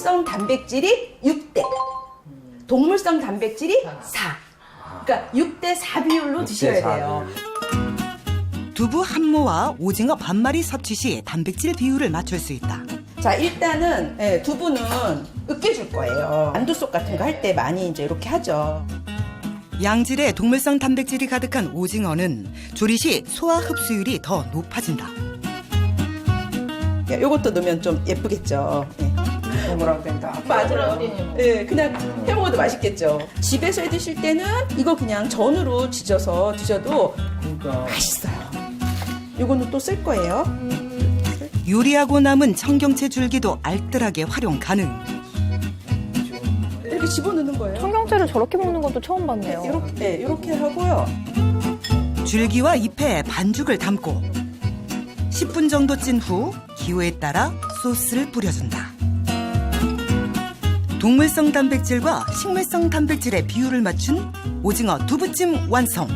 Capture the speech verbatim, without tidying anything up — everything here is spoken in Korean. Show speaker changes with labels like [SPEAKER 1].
[SPEAKER 1] 식물성 단백질이 육 대, 동물성 단백질이 사. 그러니까 육 대 사 비율로 드셔야 돼요.
[SPEAKER 2] 두부 한 모와 오징어 반 마리 섭취 시 단백질 비율을 맞출 수 있다.
[SPEAKER 1] 자, 일단은 예, 두부는 으깨줄 거예요. 만두속 같은 거 할 때 많이 이제 이렇게 하죠.
[SPEAKER 2] 양질의 동물성 단백질이 가득한 오징어는 조리 시 소화 흡수율이 더 높아진다.
[SPEAKER 1] 예, 요것도 넣으면 좀 예쁘겠죠. 예.
[SPEAKER 3] 동그랗게 된다.
[SPEAKER 1] 맞아요. 예, 그냥 해 먹어도 맛있겠죠. 집에서 해 드실 때는 이거 그냥 전으로 지져서 드셔도
[SPEAKER 3] 그러니까
[SPEAKER 1] 맛있어요. 요거는 또 쓸 거예요.
[SPEAKER 2] 요리하고 남은 청경채 줄기도 알뜰하게 활용 가능.
[SPEAKER 1] 이렇게 집어넣는 거예요.
[SPEAKER 4] 청경채를 저렇게 먹는 것도 처음 봤네요.
[SPEAKER 1] 이렇게, 네, 이렇게 하고요.
[SPEAKER 2] 줄기와 잎에 반죽을 담고 십 분 정도 찐 후 기호에 따라 소스를 뿌려준다. 동물성 단백질과 식물성 단백질의 비율을 맞춘 오징어 두부찜 완성.